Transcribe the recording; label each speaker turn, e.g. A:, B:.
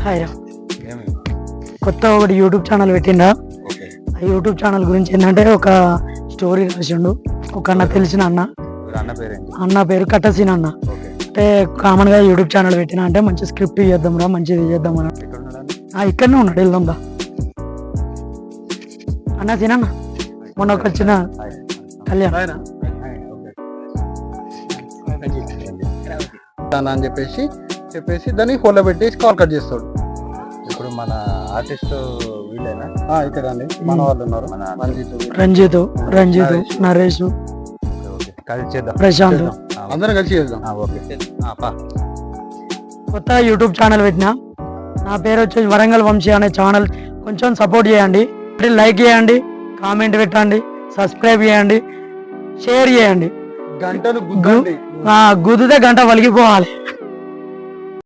A: Hi రా. కొత్త ఒకటి యూట్యూబ్ ఛానల్ పెట్టిండా. ఆ యూట్యూబ్ ఛానల్ గురించి ఏంటంటే ఒక స్టోరీ రాసిండు ఒక అన్న, తెలిసిన అన్న. అన్న పేరు కట్టసీన్ అన్న. అంటే కామన్ గా యూట్యూబ్ ఛానల్ పెట్టినా అంటే మంచి స్క్రిప్ట్ చేద్దాం రా, మంచిది చేద్దాం అని. ఇక్కడనే ఉన్నాడు, వెళ్దాందా అన్న. సీనన్న మొన్న ఒక వచ్చిన కళ్యాణ్
B: అని చెప్పేసి దాన్ని హోల్లో పెట్టేసి కాల్ కట్ చేస్తాడు.
C: ఇప్పుడు మన ఆర్టిస్ట్ వీళ్ళేనా?
B: ఇక్కడ అండి మన వాళ్ళు ఉన్నారు,
A: రంజిత్, నరేష్,
C: కలిసి చేద్దాం,
A: ప్రశాంత్,
B: అందరం కలిసి చేద్దాం.
A: కొత్త యూట్యూబ్ ఛానల్ పెట్టినా. నా పేరు వచ్చేసి వరంగల్ వంశీ అనే ఛానల్. కొంచెం సపోర్ట్ చేయండి, లైక్ చేయండి, కామెంట్ పెట్టండి, సబ్స్క్రైబ్ చేయండి, షేర్ చేయండి.
B: గంటను
A: గుద్దితే గంట వలిగిపోవాలి.